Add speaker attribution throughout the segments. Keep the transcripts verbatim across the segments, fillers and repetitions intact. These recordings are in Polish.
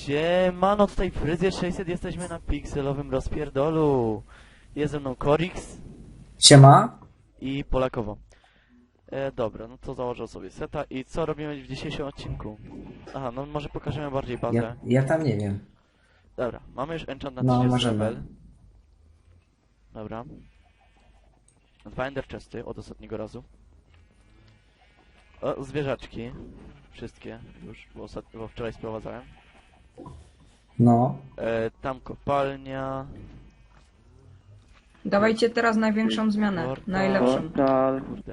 Speaker 1: Siemano, tutaj Fryzjer sześćset, jesteśmy na pikselowym rozpierdolu. Jest ze mną Korix
Speaker 2: Siema.
Speaker 1: i Polakowo. E, dobra, no to założę sobie seta i co robimy w dzisiejszym odcinku? Aha, no może pokażemy bardziej bazę.
Speaker 2: Ja, ja tam nie wiem.
Speaker 1: Dobra, mamy już enchant na
Speaker 2: No,
Speaker 1: trzydziesty
Speaker 2: możemy.
Speaker 1: level. Dobra. Dwa ender chesty od ostatniego razu. O, zwierzaczki. Wszystkie już, bo, ostat... bo wczoraj sprowadzałem.
Speaker 2: No.
Speaker 1: E, tam kopalnia.
Speaker 3: Dawajcie teraz największą zmianę,
Speaker 1: Portal.
Speaker 3: najlepszą.
Speaker 1: Portal. Kurde.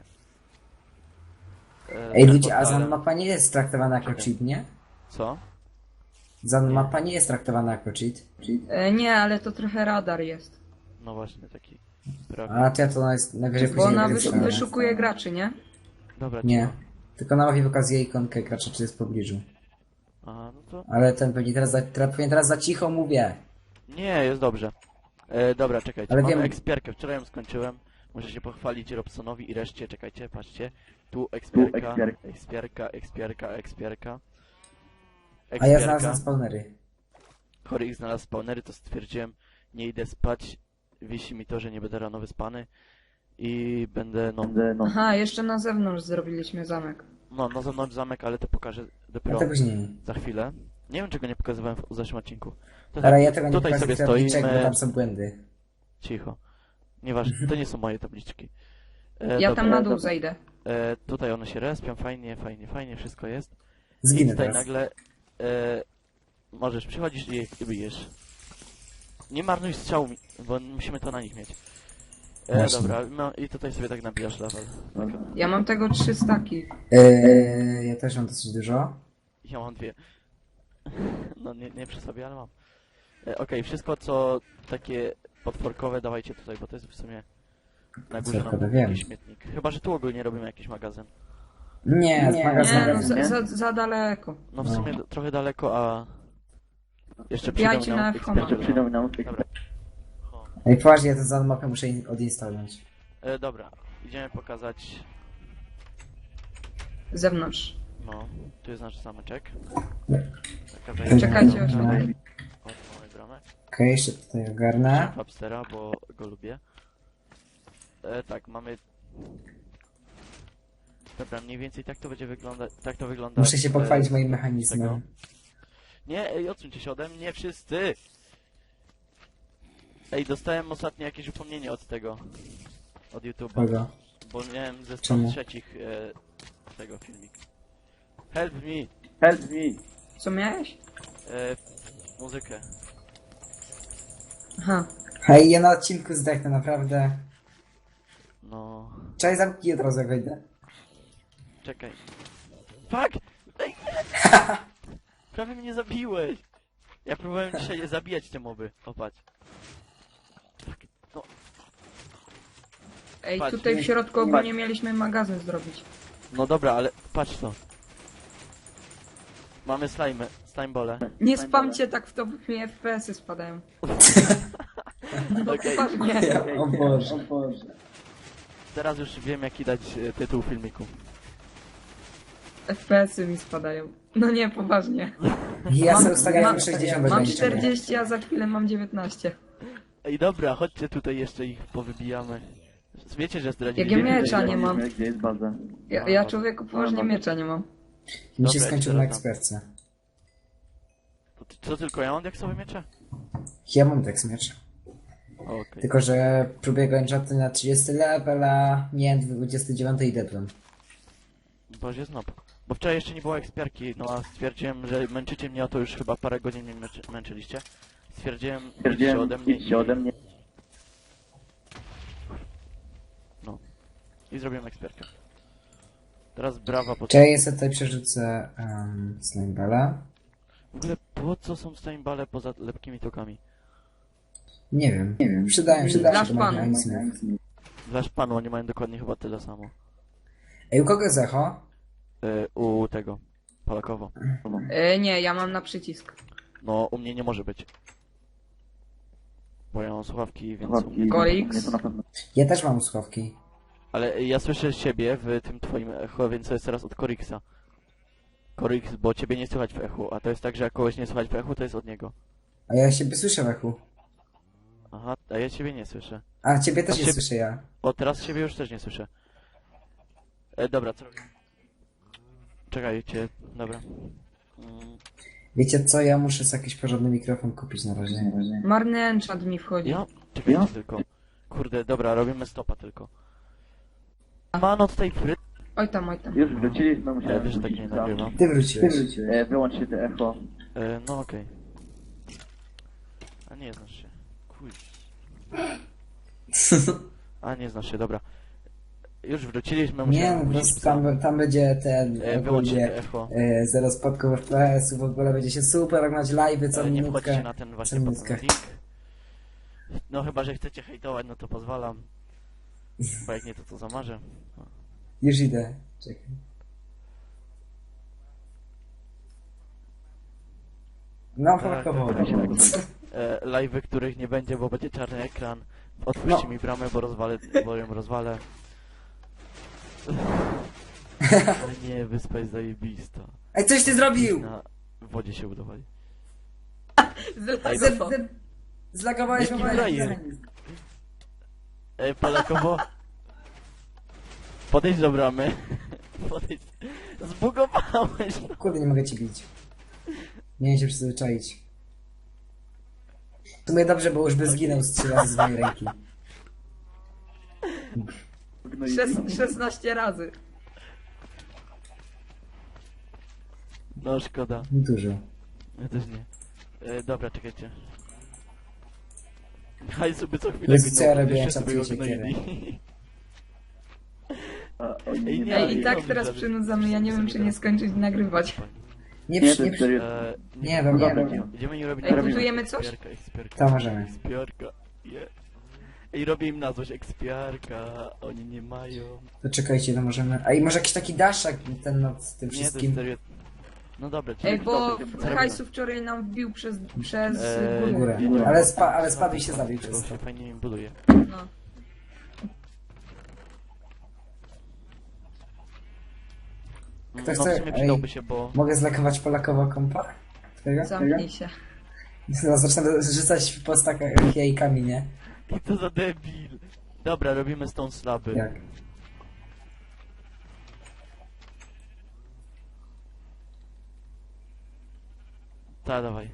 Speaker 1: E,
Speaker 2: Ej
Speaker 1: za
Speaker 2: ludzie, a
Speaker 1: portalem.
Speaker 2: Zan mapa nie jest traktowana jako
Speaker 1: Czekaj.
Speaker 2: cheat, nie?
Speaker 1: Co?
Speaker 2: Zan mapa nie jest traktowana jako cheat.
Speaker 3: E, nie, ale to trochę radar jest.
Speaker 1: No właśnie, taki prawie.
Speaker 2: A to ja to jest najwyżej
Speaker 3: Bo
Speaker 2: później
Speaker 3: ona
Speaker 2: będę
Speaker 3: wyszu
Speaker 2: wstawiał.
Speaker 3: wyszukuje graczy, nie?
Speaker 1: Dobra,
Speaker 2: Nie.
Speaker 1: cicho.
Speaker 2: Tylko na mapie pokazuje ikonkę gracza, czy jest w pobliżu.
Speaker 1: A, no to...
Speaker 2: Ale ten pewnie teraz za, teraz, pewnie teraz za cicho mówię.
Speaker 1: Nie, jest dobrze. E, dobra, czekajcie,
Speaker 2: Ale
Speaker 1: mamy
Speaker 2: wiem-
Speaker 1: ekspierkę. Wczoraj ją skończyłem. Muszę się pochwalić Robsonowi i reszcie. Czekajcie, patrzcie. Tu ekspierka, ekspierka, ekspierka, ekspierka.
Speaker 2: A ja znalazłem spawnery.
Speaker 1: Chory ich znalazł spawnery, to stwierdziłem, nie idę spać. Wisi mi to, że nie będę rano wyspany. I będę, no,
Speaker 3: Aha, jeszcze na zewnątrz zrobiliśmy zamek.
Speaker 1: no, na zewnątrz zamek, ale to pokażę
Speaker 2: A
Speaker 1: dopiero
Speaker 2: to później.
Speaker 1: za chwilę. Nie wiem, czego nie pokazywałem w zeszłym odcinku. To
Speaker 2: Ale
Speaker 1: tak,
Speaker 2: ja tego nie
Speaker 1: tutaj sobie
Speaker 2: pokazuję tabliczek, bo
Speaker 1: stoimy.
Speaker 2: tam są błędy.
Speaker 1: Cicho. Nieważne, to nie są moje tabliczki. E,
Speaker 3: Ja
Speaker 1: dobra,
Speaker 3: tam na dół zejdę.
Speaker 1: E, tutaj one się respią, fajnie, fajnie, fajnie, wszystko jest. I
Speaker 2: Zginę
Speaker 1: tutaj
Speaker 2: teraz.
Speaker 1: nagle e, możesz, przychodzisz i je bijesz. Nie marnuj strzału, mi- bo musimy to na nich mieć. E,
Speaker 2: Właśnie.
Speaker 1: dobra, no i tutaj sobie tak nabijasz level.
Speaker 3: Ja mam tego trzy staki.
Speaker 2: Eee, ja też mam dosyć dużo.
Speaker 1: Ja mam dwie. No nie, nie przy sobie, ale mam. E, Okej, wszystko co takie potworkowe dawajcie tutaj, bo to jest w sumie na górze
Speaker 2: Potworkowe,
Speaker 1: nam
Speaker 2: wiem.
Speaker 1: jakiś śmietnik. Chyba, że tu ogólnie robimy jakiś magazyn.
Speaker 2: Nie, z
Speaker 3: Nie,
Speaker 2: magazynem.
Speaker 3: no za, za, za daleko.
Speaker 1: No w
Speaker 2: No.
Speaker 1: sumie d- trochę daleko, a... Jeszcze przyjdą
Speaker 3: Wbijajcie
Speaker 1: nam
Speaker 3: na F H M.
Speaker 1: eksperci. Dobra. O,
Speaker 2: Ej, poważnie, ja tę Zan mapę muszę in- odinstalować.
Speaker 1: e, dobra, idziemy pokazać...
Speaker 3: Z zewnątrz.
Speaker 1: No, tu jest nasz zameczek. Taka
Speaker 3: Czekajcie,
Speaker 1: wejście.
Speaker 3: aż
Speaker 2: No.
Speaker 3: tutaj.
Speaker 1: O, tu mamy bramę.
Speaker 2: Okej, jeszcze tutaj ogarnę.
Speaker 1: Fabstera, bo go lubię. E, tak, mamy... Dobra, mniej więcej tak to będzie wyglądać... Tak to wygląda...
Speaker 2: Muszę się pochwalić
Speaker 1: e,
Speaker 2: moim
Speaker 1: z
Speaker 2: mechanizmem.
Speaker 1: tego. Nie, ej, odsuńcie się ode mnie, wszyscy! Ej, dostałem ostatnio jakieś upomnienie od tego... Od YouTube'a.
Speaker 2: Kogo?
Speaker 1: Bo miałem ze sto
Speaker 2: Czemu?
Speaker 1: trzecich e, tego filmik. Help me!
Speaker 4: Help me!
Speaker 3: Co miałeś?
Speaker 1: E, muzykę.
Speaker 3: Aha.
Speaker 2: Hej, ja na odcinku zdechnę, naprawdę.
Speaker 1: No...
Speaker 2: Czekaj, zamknij od razu jak wejdę.
Speaker 1: Czekaj. Fuck! Ej! Prawie mnie zabiłeś! Ja próbowałem dzisiaj zabijać te moby. Popatrz. Fuck. No,
Speaker 3: Ej,
Speaker 1: Patrz,
Speaker 3: tutaj w
Speaker 2: nie-
Speaker 3: środku ogólnie mieliśmy magazyn zrobić.
Speaker 1: no dobra, ale patrz to. Mamy slime, slimebole.
Speaker 3: Nie spamcie tak w to, bo mi F P S-y spadają. No
Speaker 1: Okej.
Speaker 3: poważnie.
Speaker 2: Ja, o Boże.
Speaker 4: O Boże.
Speaker 1: Teraz już wiem jaki dać e, tytuł filmiku.
Speaker 3: F P S-y mi spadają. No nie, poważnie.
Speaker 2: Ja
Speaker 3: Mam-
Speaker 2: sobie ustawiam
Speaker 3: mam-
Speaker 2: sześćdziesiąt bez
Speaker 3: Mam
Speaker 2: ograniczenia.
Speaker 3: czterdzieści, a za chwilę mam dziewiętnaście.
Speaker 1: Ej dobra, chodźcie tutaj jeszcze ich powybijamy. Wiecie, że
Speaker 3: Jak
Speaker 1: zdradziliśmy...
Speaker 3: ja miecza nie mam.
Speaker 4: Gdzie jest baza?
Speaker 3: Ja, ja człowieku poważnie miecza nie mam.
Speaker 2: Mi się
Speaker 1: Dobra,
Speaker 2: skończył
Speaker 1: ja
Speaker 2: na
Speaker 1: ci teraz
Speaker 2: eksperce.
Speaker 1: To, ty- co tylko ja mam diaksowe miecze?
Speaker 2: Ja mam tak miecz.
Speaker 1: Okej.
Speaker 2: Tylko, że próbuję go enchanty na trzydziesty level, a nie dwudziesty dziewiąty i dedłem.
Speaker 1: Boże znop. Bo wczoraj jeszcze nie było ekspiarki, no a stwierdziłem, że męczycie mnie, a to już chyba parę godzin mnie męczy, męczyliście. Stwierdziłem, idźcie
Speaker 4: Stwierdziłem
Speaker 1: ode mnie
Speaker 4: idźcie ode mnie.
Speaker 1: No. I zrobiłem ekspiarkę. Teraz brawa, bo...
Speaker 2: Czekaj, ja sobie tutaj przerzucę um, slimeballa.
Speaker 1: W ogóle po co są staimbale poza lepkimi tokami?
Speaker 2: Nie wiem. Nie wiem. Przydają się
Speaker 3: Dla
Speaker 2: do
Speaker 3: szpanu.
Speaker 2: mechanizmów.
Speaker 1: Dla szpanu oni mają dokładnie chyba tyle samo.
Speaker 2: Ej, u kogo jest echo?
Speaker 1: Yy, u tego. Polakowo.
Speaker 3: E, nie, ja mam na przycisk.
Speaker 1: No, u mnie nie może być. Bo ja mam słuchawki, więc...
Speaker 4: Słuchawki.
Speaker 3: Korix.
Speaker 4: Nie, to na pewno.
Speaker 2: Ja też mam słuchawki.
Speaker 1: Ale ja słyszę siebie w tym twoim echo, więc to jest teraz od Koriksa. Korix, bo ciebie nie słychać w echu, a to jest tak, że jak kogoś nie słychać w echu, to jest od niego.
Speaker 2: A ja siebie słyszę w echu.
Speaker 1: Aha, a ja ciebie nie słyszę.
Speaker 2: A ciebie też
Speaker 1: A
Speaker 2: nie
Speaker 1: ciebie-
Speaker 2: słyszę ja.
Speaker 1: O, teraz ciebie już też nie słyszę. E, dobra, co robię? Czekajcie, dobra. Mm,
Speaker 2: Wiecie co, ja muszę sobie jakiś porządny mikrofon kupić na razie. Na razie.
Speaker 3: Marny enchant mi wchodzi.
Speaker 1: ja? Czekajcie tylko. Kurde, dobra, robimy stopa tylko. Mano tutaj fry...
Speaker 3: Oj tam, oj tam.
Speaker 4: Już wróciliśmy,
Speaker 1: Ja
Speaker 4: musiałem
Speaker 1: wiesz, że tak nie
Speaker 4: wrócić, co?
Speaker 1: nagrywam.
Speaker 2: Ty wróciłeś.
Speaker 4: E, wyłącz się te echo.
Speaker 1: E, no okej. A nie znasz się. Kuj. A nie znasz się, dobra. Już wróciliśmy,
Speaker 2: Nie,
Speaker 1: musiałem
Speaker 2: no po
Speaker 1: wrócić
Speaker 2: prostu
Speaker 1: psa.
Speaker 2: tam, tam będzie ten...
Speaker 1: E, wyłącz się
Speaker 2: ogólnie,
Speaker 1: te echo.
Speaker 2: e, zero spotków F P S-u, w ogóle będzie się super oglądać live'y co
Speaker 1: E, nie
Speaker 2: minutkę.
Speaker 1: wchodźcie na ten właśnie
Speaker 2: co
Speaker 1: pod
Speaker 2: minutkę.
Speaker 1: ten link. No chyba, że chcecie hejtować, no to pozwalam. Bo jak nie, to co zamarzę.
Speaker 2: Już idę. Czekaj. No,
Speaker 1: Tak,
Speaker 2: popakowo.
Speaker 1: tak, tak. E, live'y, których nie będzie, bo będzie czarny ekran. Otwórzcie
Speaker 2: No.
Speaker 1: mi bramę, bo rozwalę, bo ją rozwalę. Ale nie, wyspa jest zajebista.
Speaker 2: Ej, coś ty zrobił!
Speaker 1: Na wodzie się udawali.
Speaker 3: Z-
Speaker 2: Z,
Speaker 3: z-
Speaker 2: z, zlagowałeś
Speaker 1: Jaki
Speaker 2: mnie.
Speaker 1: frajer? Ej, Polakowo. Podejdź do bramy. Podejdź. Zbugowałeś.
Speaker 2: Kurde, nie mogę ci bić. Nie wiem się przyzwyczaić. W sumie dobrze, bo już by zginął z trzy razy z mojej ręki.
Speaker 4: No i
Speaker 3: szes- szesnaście razy.
Speaker 1: No szkoda.
Speaker 2: Dużo.
Speaker 1: Ja też nie. E, dobra, czekajcie. Hajsu by co chwilę
Speaker 2: Jezu, co ja
Speaker 1: ginął,
Speaker 2: robię, jak
Speaker 1: jeszcze sobie
Speaker 2: czatuję
Speaker 1: go
Speaker 2: siekierę.
Speaker 1: gnoili.
Speaker 4: A, oni
Speaker 1: Ej,
Speaker 4: nie
Speaker 1: nie,
Speaker 3: Ej, i
Speaker 1: nie
Speaker 3: tak
Speaker 1: robisz,
Speaker 3: teraz
Speaker 1: żeby-
Speaker 3: przynudzamy, ja nie wiem czy nie skończyć nagrywać.
Speaker 2: Nie,
Speaker 4: Nie,
Speaker 2: przy,
Speaker 4: to
Speaker 2: nie,
Speaker 4: jest
Speaker 2: przy,
Speaker 4: serio.
Speaker 1: E,
Speaker 2: nie, dobra,
Speaker 4: Dobra,
Speaker 2: nie.
Speaker 1: Idziemy i robić
Speaker 3: Ej,
Speaker 1: robimy
Speaker 3: budujemy coś?
Speaker 1: Ekspiarka, ekspiarka.
Speaker 2: To możemy.
Speaker 1: Ekspiarka. Je. Ej, robię im na złość ekspiarka. Oni nie mają.
Speaker 2: To czekajcie, to możemy... A i może jakiś taki daszak ten nad tym
Speaker 1: Nie, to jest
Speaker 2: wszystkim.
Speaker 1: serio. No dobra, czyli
Speaker 3: Ej, bo
Speaker 1: co robimy?
Speaker 3: hajsu wczoraj nam wbił przez, przez
Speaker 1: Eee,
Speaker 3: górę.
Speaker 2: Górę. Ale, spa, ale spadł i się zabił
Speaker 1: To
Speaker 2: przez to.
Speaker 1: się fajnie im buduje.
Speaker 3: No.
Speaker 2: Kto
Speaker 1: No w
Speaker 2: chce-
Speaker 1: sumie
Speaker 2: ej.
Speaker 1: przydałby się, bo...
Speaker 2: Mogę zlakować Polakowo kompa? Tego?
Speaker 3: Zamknij się.
Speaker 2: No, zacznę rzucać po stakach jajkami, nie?
Speaker 1: I to za debil. Dobra, robimy stone slaby.
Speaker 2: Jak?
Speaker 1: Ta, dawaj.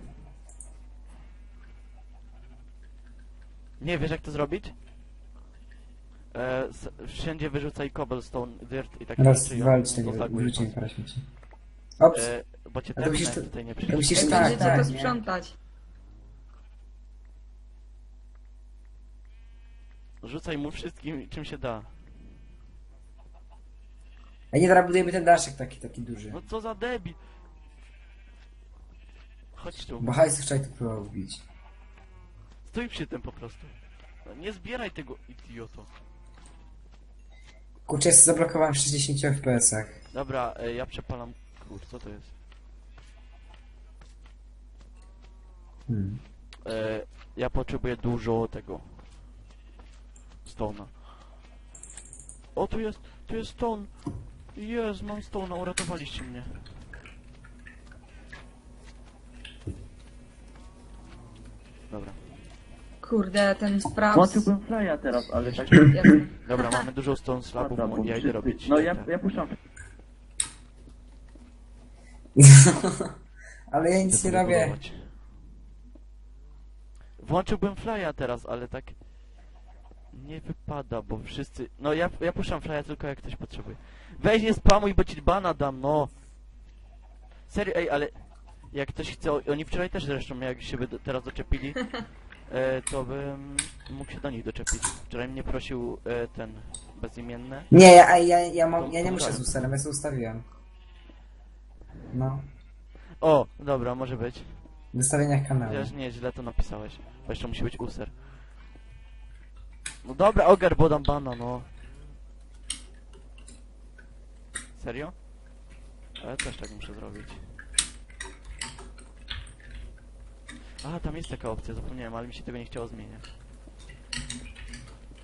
Speaker 1: Nie wiesz jak to zrobić? E, s- wszędzie wyrzucaj cobblestone, dirt i takie
Speaker 2: Raz,
Speaker 1: rzeczy i
Speaker 2: dwa,
Speaker 1: on
Speaker 2: cztery,
Speaker 1: pozaguje
Speaker 2: wróciłem
Speaker 1: was.
Speaker 2: parę śmieci. Ops!
Speaker 1: E, bo cię
Speaker 2: A to musisz
Speaker 1: tepnę,
Speaker 2: to-
Speaker 1: tutaj nie
Speaker 2: to
Speaker 1: przyjdziesz.
Speaker 2: musisz
Speaker 3: Ej,
Speaker 2: tak,
Speaker 3: będziecie
Speaker 2: tak,
Speaker 3: to
Speaker 2: nie?
Speaker 3: sprzątać.
Speaker 1: Rzucaj mu wszystkim czym się da.
Speaker 2: A nie, teraz budujemy ten daszek taki, taki duży.
Speaker 1: No co za debil. Chodź tu.
Speaker 2: Bo hajs wczoraj to próbował wbić.
Speaker 1: Stój przy tym po prostu. No, nie zbieraj tego, idioto.
Speaker 2: Kurczę, ja się zablokowałem w sześćdziesięciu F P S-ach.
Speaker 1: Dobra, e, ja przepalam... Kur, co to jest?
Speaker 2: Hmm.
Speaker 1: E, ja potrzebuję dużo tego... Stone'a. O, tu jest, tu jest stone. Jest, mam stone'a, uratowaliście mnie. Dobra.
Speaker 3: Kurde, ten spraw.
Speaker 4: Włączyłbym flya teraz, ale tak...
Speaker 3: Jasne.
Speaker 1: Dobra, mamy dużo stone slabów,
Speaker 4: Pada, bo
Speaker 1: ja idę
Speaker 4: wszyscy-
Speaker 1: robić...
Speaker 4: No ja,
Speaker 1: te-
Speaker 4: ja puszczam.
Speaker 2: Ale ja nic
Speaker 1: te
Speaker 2: nie robię.
Speaker 1: budować. Włączyłbym flya teraz, ale tak... Nie wypada, bo wszyscy... No ja, ja puszczam flya tylko jak ktoś potrzebuje. Weź nie spamuj, bo ci bana dam, no! Serio, ej, ale... Jak ktoś chce... Oni wczoraj też zresztą, jak się by do, teraz doczepili, e, to bym mógł się do nich doczepić. Wczoraj mnie prosił e, ten... Bezimienny.
Speaker 2: Nie, ja, ja, ja, mam,
Speaker 1: To
Speaker 2: ja nie muszę
Speaker 1: pomagałem.
Speaker 2: z usterem, ja sobie ustawiłem. No.
Speaker 1: O, dobra, może być.
Speaker 2: W ustawieniach kanału.
Speaker 1: Chociaż nie, źle to napisałeś. Bo jeszcze musi być user. No dobra, ogar, bo dam bana, no. Serio? Ale też tak muszę zrobić. A, tam jest taka opcja, zapomniałem, ale mi się tego nie chciało zmieniać.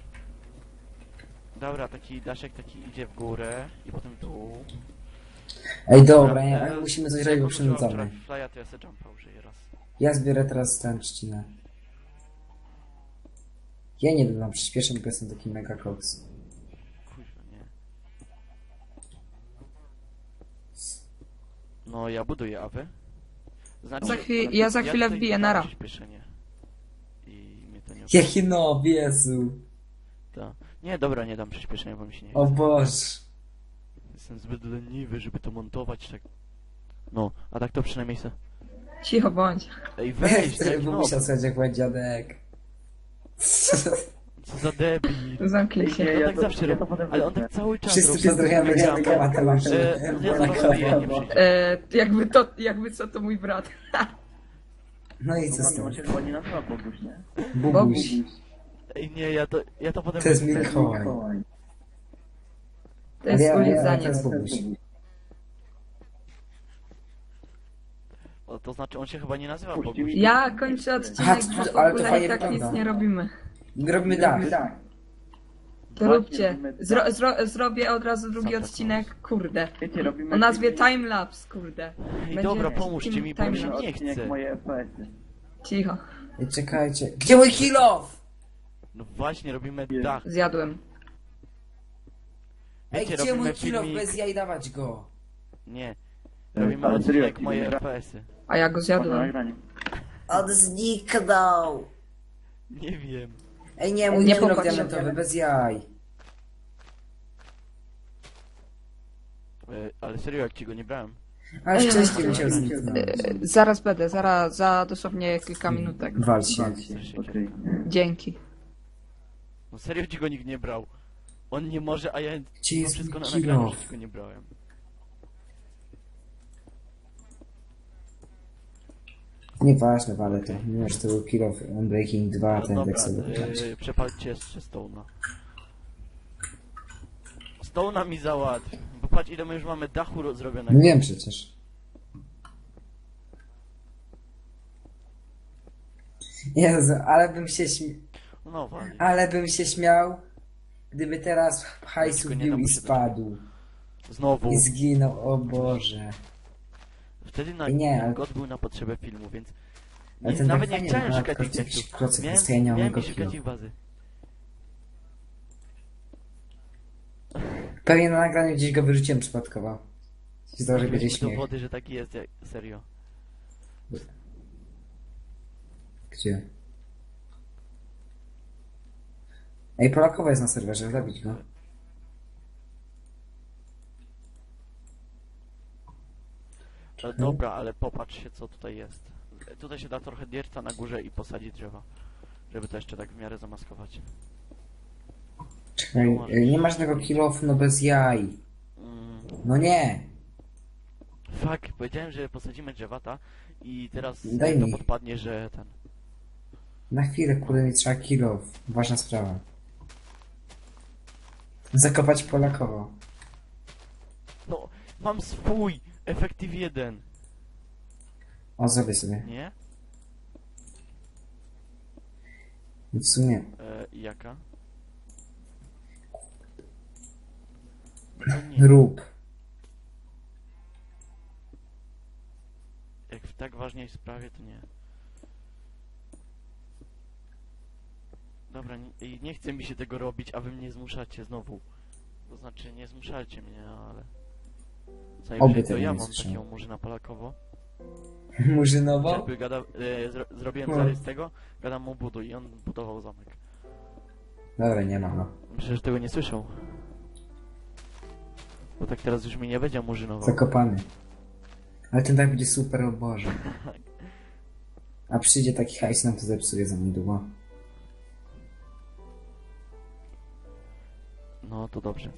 Speaker 1: Dobra, taki daszek taki idzie w górę i potem tu.
Speaker 2: Ej, dobra, nie,
Speaker 1: e,
Speaker 2: ale musimy coś
Speaker 1: jak
Speaker 2: robić, bo
Speaker 1: użyłam
Speaker 2: przynudzamy.
Speaker 1: Flya, to ja se jumpa użyję raz.
Speaker 2: Ja zbiorę teraz ten trzcinę. Ja nie dodam przyspieszeń, bo jestem taki mega koks.
Speaker 1: Kuźwa, nie. No, ja buduję, a wy? Znaczy,
Speaker 3: Za chwil- ja za chwilę
Speaker 1: tutaj
Speaker 3: wbiję,
Speaker 1: dam
Speaker 3: nara.
Speaker 1: przyspieszenie. I mnie to nie...
Speaker 2: Jaki no, Jezu.
Speaker 1: Ta. Nie, dobra, nie dam przyspieszenia, bo mi się nie
Speaker 2: O
Speaker 1: chce.
Speaker 2: Boże.
Speaker 1: Jestem zbyt leniwy, żeby to montować tak... No, a tak to przynajmniej se...
Speaker 3: Cicho bądź.
Speaker 1: Ej, weź,
Speaker 2: Ty,
Speaker 1: tak,
Speaker 2: bo
Speaker 1: no,
Speaker 2: musiał słuchać jak mój dziadek.
Speaker 1: co za debil.
Speaker 3: Zamknij się.
Speaker 4: Nie,
Speaker 1: On
Speaker 4: ja
Speaker 1: tak
Speaker 4: to-
Speaker 1: zawsze
Speaker 4: ja to
Speaker 1: robi,
Speaker 4: potem
Speaker 1: ale on
Speaker 4: wezmę.
Speaker 1: tak cały czas
Speaker 2: Wszyscy
Speaker 1: robi.
Speaker 2: pozdrawiamy
Speaker 1: Ja-
Speaker 2: dziadka Mateusza.
Speaker 1: E, ja zaraz robię, nie przyjdzie.
Speaker 3: E, jakby to, jakby co, to mój brat.
Speaker 2: No i co
Speaker 4: No,
Speaker 2: z tym?
Speaker 4: on się chyba nie nazywa Boguś, nie?
Speaker 2: Bubuś.
Speaker 1: Ej, nie, ja to, ja to potem...
Speaker 2: To jest
Speaker 1: wezmę.
Speaker 2: Mikołaj.
Speaker 3: To jest
Speaker 2: Ja- ja- ja
Speaker 3: ulizanie.
Speaker 2: teraz Bubuś.
Speaker 1: O, to znaczy, on się chyba nie nazywa
Speaker 4: Puści
Speaker 1: Boguś.
Speaker 4: mi-
Speaker 3: Ja kończę
Speaker 2: Aha,
Speaker 3: odcinek,
Speaker 2: to-
Speaker 3: bo w
Speaker 2: ale to
Speaker 3: ogóle
Speaker 2: fajnie
Speaker 3: i tak nic
Speaker 2: wygląda.
Speaker 3: nie robimy.
Speaker 2: Robimy dach.
Speaker 3: To
Speaker 4: Właśnie,
Speaker 3: róbcie.
Speaker 4: robimy
Speaker 3: Zro,
Speaker 4: tak.
Speaker 3: zro, zrobię od razu drugi
Speaker 1: Santa
Speaker 3: odcinek, kurde.
Speaker 4: Wiecie, robimy...
Speaker 3: O nazwie
Speaker 4: filmik-
Speaker 3: timelapse, kurde.
Speaker 1: Ej,
Speaker 3: Będzie
Speaker 1: dobra, pomóżcie mi, bo mi się
Speaker 3: timelapse.
Speaker 1: nie
Speaker 4: odcinek
Speaker 1: chce.
Speaker 4: moje F P S-y.
Speaker 3: Cicho.
Speaker 2: Ej, czekajcie. Gdzie mój kilof?
Speaker 1: No właśnie, robimy dach.
Speaker 3: Zjadłem.
Speaker 2: Ej,
Speaker 1: Wiecie,
Speaker 2: gdzie mój
Speaker 1: robimy
Speaker 2: kilof?
Speaker 1: filmik...
Speaker 2: Bez jaj dawać go.
Speaker 1: Nie.
Speaker 4: Ale
Speaker 1: Robimy
Speaker 4: serio,
Speaker 1: odcinek
Speaker 4: jaki
Speaker 1: moje
Speaker 4: będzie?
Speaker 1: F P S-y.
Speaker 3: A ja go
Speaker 4: Można
Speaker 3: zjadłem.
Speaker 4: nagranie.
Speaker 2: On zniknął.
Speaker 1: Nie wiem.
Speaker 2: Ej, nie, mój
Speaker 3: Nie
Speaker 2: kilof
Speaker 3: popatrz.
Speaker 2: diamentowy, bez jaj.
Speaker 1: E, ale serio, jak ci go nie brałem.
Speaker 2: Ale
Speaker 3: Ej,
Speaker 2: wcześniej
Speaker 1: no,
Speaker 2: musiał
Speaker 1: no,
Speaker 2: zniknąć.
Speaker 3: E, Zaraz będę, zaraz, za dosłownie kilka minutek.
Speaker 2: Wal się.
Speaker 4: Okej.
Speaker 3: Dzięki.
Speaker 1: No serio ci go nikt nie brał. On nie może, a ja
Speaker 2: Gdzie
Speaker 1: mam
Speaker 2: jest
Speaker 1: wszystko na
Speaker 2: mój
Speaker 1: nagraniu,
Speaker 2: kilof?
Speaker 1: że ci go nie brałem.
Speaker 2: Nieważne, ale to. Mimo, że to był kilof Unbreaking dwa,
Speaker 1: No
Speaker 2: ten
Speaker 1: dobra,
Speaker 2: tak sobie wygrać.
Speaker 1: e, przepalcie jeszcze Stone'a. Stone'a mi załatw. Bo patrz ile my już mamy dachu ro- zrobionego.
Speaker 2: No wiem przecież. Jezu, ale bym się śmiał.
Speaker 1: No wali.
Speaker 2: Ale bym się śmiał, gdyby teraz hajsu
Speaker 1: Tylko nie
Speaker 2: wbił
Speaker 1: dam
Speaker 2: i
Speaker 1: się do-
Speaker 2: spadł.
Speaker 1: Znowu.
Speaker 2: I zginął, o Boże.
Speaker 1: Wtedy na
Speaker 2: Nie, ale-
Speaker 1: God był na potrzebę filmu, więc
Speaker 2: Ale
Speaker 1: nie,
Speaker 2: ten
Speaker 1: nawet
Speaker 2: tak
Speaker 1: nie
Speaker 2: fajnie
Speaker 1: chciałem
Speaker 2: wygląda,
Speaker 1: szukać
Speaker 2: tylko
Speaker 1: ich
Speaker 2: jakiś
Speaker 1: tekstów.
Speaker 2: klocek
Speaker 1: Miałem,
Speaker 2: jest, to ja nie mam
Speaker 1: miałem
Speaker 2: go
Speaker 1: nie szukać
Speaker 2: kill.
Speaker 1: ich bazy.
Speaker 2: Pewnie na nagraniu gdzieś go wyrzuciłem przypadkowo. Się zdało, że będzie
Speaker 1: Mieliśmy
Speaker 2: śmiech.
Speaker 1: dowody, że taki jest, jak, serio.
Speaker 2: Gdzie? Ej, Polakowa jest na serwerze, zabić go.
Speaker 1: E, dobra, ale popatrz się co tutaj jest. E, Tutaj się da trochę dierca na górze i posadzić drzewa. Żeby to jeszcze tak w miarę zamaskować.
Speaker 2: Czekaj, ej, nie ma żadnego kill-offu, no bez jaj.
Speaker 1: Mm,
Speaker 2: No nie!
Speaker 1: fuck, powiedziałem, że posadzimy drzewata i teraz
Speaker 2: Daj
Speaker 1: to
Speaker 2: mi.
Speaker 1: podpadnie, że ten...
Speaker 2: Na chwilę, kurde, mi trzeba kill-off. Ważna sprawa. Zakopać Polakowo.
Speaker 1: No, mam swój! Efektyw jeden,
Speaker 2: O, zrobię sobie.
Speaker 1: nie?
Speaker 2: W sumie.
Speaker 1: E, jaka? No to nie.
Speaker 2: Rób.
Speaker 1: Jak w tak ważnej sprawie, to nie. Dobra, nie, i nie chce mi się tego robić, a wy mnie zmuszacie znowu. To znaczy, nie zmuszacie mnie, ale... Co
Speaker 2: Oby
Speaker 1: najwyżej to
Speaker 2: tego
Speaker 1: ja
Speaker 2: nie
Speaker 1: mam
Speaker 2: słyszałem.
Speaker 1: takiego murzyna Polakowo.
Speaker 2: Murzynowo?
Speaker 1: Jakby gada, e, zro, zrobiłem
Speaker 2: No.
Speaker 1: zarys tego, gadam mu buduj i on budował zamek.
Speaker 2: Dobra, nie ma, no.
Speaker 1: Myślę, że tego nie słyszał. Bo tak teraz już mi nie będzie murzynował.
Speaker 2: Zakopany. Ale ten tak będzie super, o Boże. A przyjdzie taki hajs, nam to zepsuje za niedługo.
Speaker 1: No to dobrze.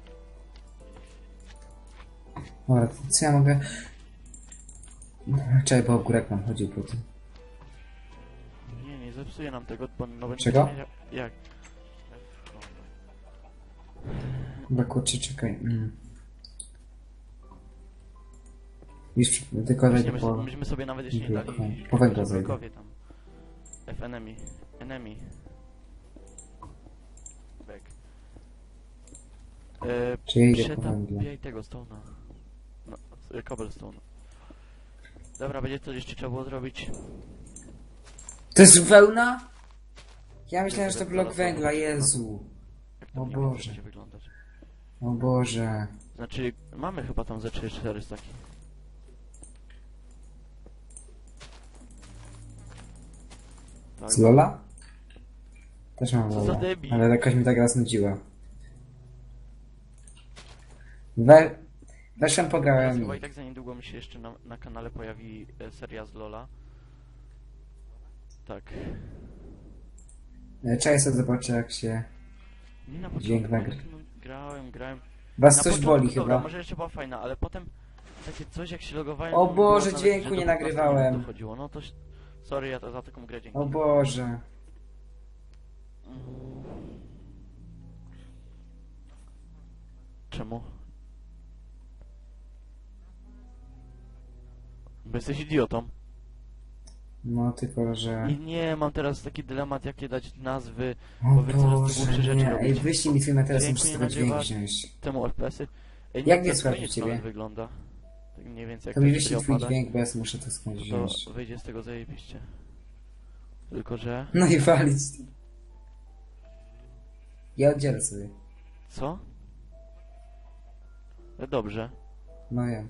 Speaker 2: Dobra, to co ja mogę... Czekaj, bo ogórek nam chodził po tym.
Speaker 1: Nie, nie zepsuje nam tego, bo no będzie
Speaker 2: Czego?
Speaker 1: miał- Jak?
Speaker 2: Chyba kurczę, czekaj. Mm. Już przy- tylko
Speaker 1: Właśnie,
Speaker 2: wejdę po...
Speaker 1: myśmy, myśmy sobie nawet jeszcze nie dali...
Speaker 2: blokowanie. Po węgla zejdę.
Speaker 1: blokowie tam. F enemy. Enemy. Back. E,
Speaker 2: Czy ja idę po węgla?
Speaker 1: Przetapiaj tego stona. No, y, cobblestone. Dobra, będzie to jeszcze trzeba było zrobić.
Speaker 2: To jest wełna? Ja myślałem, że to
Speaker 1: Zaraz
Speaker 2: blok węgla,
Speaker 1: zobaczymy.
Speaker 2: Jezu.
Speaker 1: Jak to
Speaker 2: O
Speaker 1: mniej więcej
Speaker 2: Boże.
Speaker 1: będzie wyglądać.
Speaker 2: O Boże.
Speaker 1: Znaczy, mamy chyba tam ze trzy cztery staki. Tak.
Speaker 2: Z Lola? Też mam
Speaker 1: Co za
Speaker 2: Lola.
Speaker 1: debil.
Speaker 2: Ale jakoś mi tak raz nudziła. We... Weszłem,
Speaker 1: Teraz
Speaker 2: pograłem.
Speaker 1: chyba i tak za niedługo mi się jeszcze na, na kanale pojawi e, seria z Lola. Tak.
Speaker 2: E, Czekaj sobie zobaczę jak się...
Speaker 1: Nie na
Speaker 2: Dźwięk
Speaker 1: początku,
Speaker 2: nagry-
Speaker 1: tak, no, grałem, grałem.
Speaker 2: Was
Speaker 1: Na
Speaker 2: coś
Speaker 1: początku,
Speaker 2: boli
Speaker 1: dobra,
Speaker 2: chyba.
Speaker 1: może jeszcze była fajna, ale potem takie coś jak się logowałem...
Speaker 2: O
Speaker 1: to mi było
Speaker 2: Boże,
Speaker 1: nawet,
Speaker 2: dźwięku
Speaker 1: że
Speaker 2: nie
Speaker 1: do piętnastu
Speaker 2: nagrywałem.
Speaker 1: minut dochodziło. No to... ś- Sorry, ja to za taką grę dzięki.
Speaker 2: O Boże.
Speaker 1: Mm. Czemu? Bo jesteś idiotą.
Speaker 2: No tylko, że...
Speaker 1: I nie, mam teraz taki dylemat, jakie dać nazwy
Speaker 2: O
Speaker 1: bo wy coraz to
Speaker 2: Boże,
Speaker 1: głupsze rzeczy
Speaker 2: nie. Ej,
Speaker 1: robicie.
Speaker 2: wyślij mi twój materiał,
Speaker 1: Dźwięku
Speaker 2: muszę z
Speaker 1: nie
Speaker 2: tego dźwięk
Speaker 1: nagrywasz.
Speaker 2: wziąć.
Speaker 1: temu F P S-y. Ej,
Speaker 2: Jak
Speaker 1: to
Speaker 2: nie słychać
Speaker 1: koniec
Speaker 2: u ciebie?
Speaker 1: nawet wygląda. Tak mniej więcej jak
Speaker 2: To mi
Speaker 1: to
Speaker 2: wyślij
Speaker 1: się
Speaker 2: twój
Speaker 1: opada,
Speaker 2: dźwięk, bo ja muszę to skądś
Speaker 1: to
Speaker 2: wziąć.
Speaker 1: wyjdzie z tego zajebiście. Tylko, że...
Speaker 2: No i walić. Ja oddzielę sobie.
Speaker 1: Co? E, Dobrze.
Speaker 2: No ja.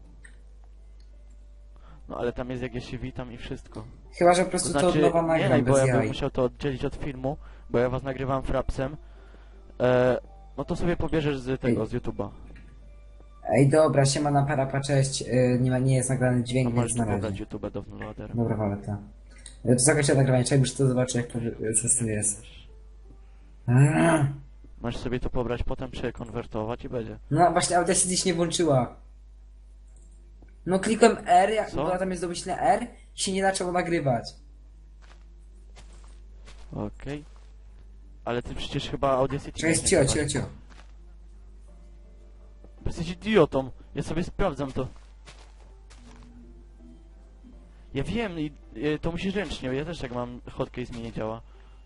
Speaker 1: No ale tam jest jak ja się witam i wszystko.
Speaker 2: Chyba, że po
Speaker 1: To
Speaker 2: prostu to,
Speaker 1: znaczy,
Speaker 2: od nowa
Speaker 1: nie,
Speaker 2: nagram
Speaker 1: bo
Speaker 2: bez
Speaker 1: ja bym
Speaker 2: jaj.
Speaker 1: musiał to oddzielić od filmu, bo ja was nagrywam frapsem. E, no to sobie pobierzesz z tego,
Speaker 2: Ej.
Speaker 1: z YouTube'a.
Speaker 2: Ej, dobra, siema na parapa, cześć. Yy, nie, ma, nie jest nagrany
Speaker 1: No
Speaker 2: dźwięk,
Speaker 1: możesz
Speaker 2: więc
Speaker 1: tu
Speaker 2: na
Speaker 1: pobrać
Speaker 2: razie.
Speaker 1: YouTube'a do Vloadera.
Speaker 2: Dobra, wale to. Yy, To zakończę nagrywanie, czekaj, już to zobaczę, jak to, wy- co z tym jest. Aaa.
Speaker 1: Możesz sobie to pobrać, potem przekonwertować i będzie.
Speaker 2: No właśnie, Audacity się nie włączyła. No klikłem R, jak
Speaker 1: Co?
Speaker 2: była tam jest domyślne R i się nie zaczęło nagrywać.
Speaker 1: Okej. Ale ty przecież chyba Audacity...
Speaker 2: Czekaj,
Speaker 1: nie
Speaker 2: cio,
Speaker 1: nagrywasz.
Speaker 2: cio, cio.
Speaker 1: Bo jesteś idiotą. Ja sobie sprawdzam to. Ja wiem i y, to musisz ręcznie, ja też tak mam, hotcase mi nie działa.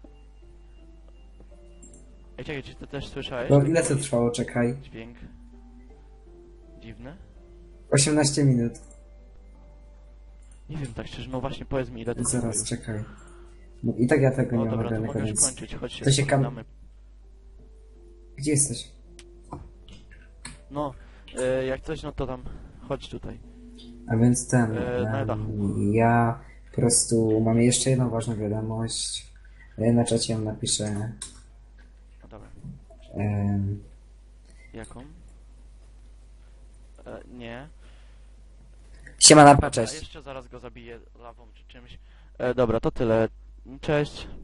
Speaker 1: Ej, czekaj, czy ty też słyszałeś?
Speaker 2: No ile to trwało, czekaj.
Speaker 1: Dźwięk. Dziwny?
Speaker 2: osiemnaście minut.
Speaker 1: Nie wiem, tak szczerze, no właśnie powiedz mi ile to trwa
Speaker 2: Zaraz,
Speaker 1: już.
Speaker 2: czekaj. No i tak ja tego
Speaker 1: No
Speaker 2: nie mam
Speaker 1: dobra, to
Speaker 2: nagranego,
Speaker 1: mogę już
Speaker 2: więc...
Speaker 1: kończyć, chodź się
Speaker 2: To się kam-
Speaker 1: pożegnamy.
Speaker 2: Gdzie jesteś?
Speaker 1: No, y, jak coś, no to tam, chodź tutaj.
Speaker 2: A więc ten...
Speaker 1: E, na
Speaker 2: em,
Speaker 1: dachu.
Speaker 2: ja po prostu mam jeszcze jedną ważną wiadomość. E, Na czacie ją napiszę.
Speaker 1: No dobra,
Speaker 2: em,
Speaker 1: jaką? E, nie.
Speaker 2: Siema na
Speaker 1: A
Speaker 2: cześć.
Speaker 1: jeszcze zaraz go zabiję lawą czy czymś. E, dobra, to tyle. Cześć.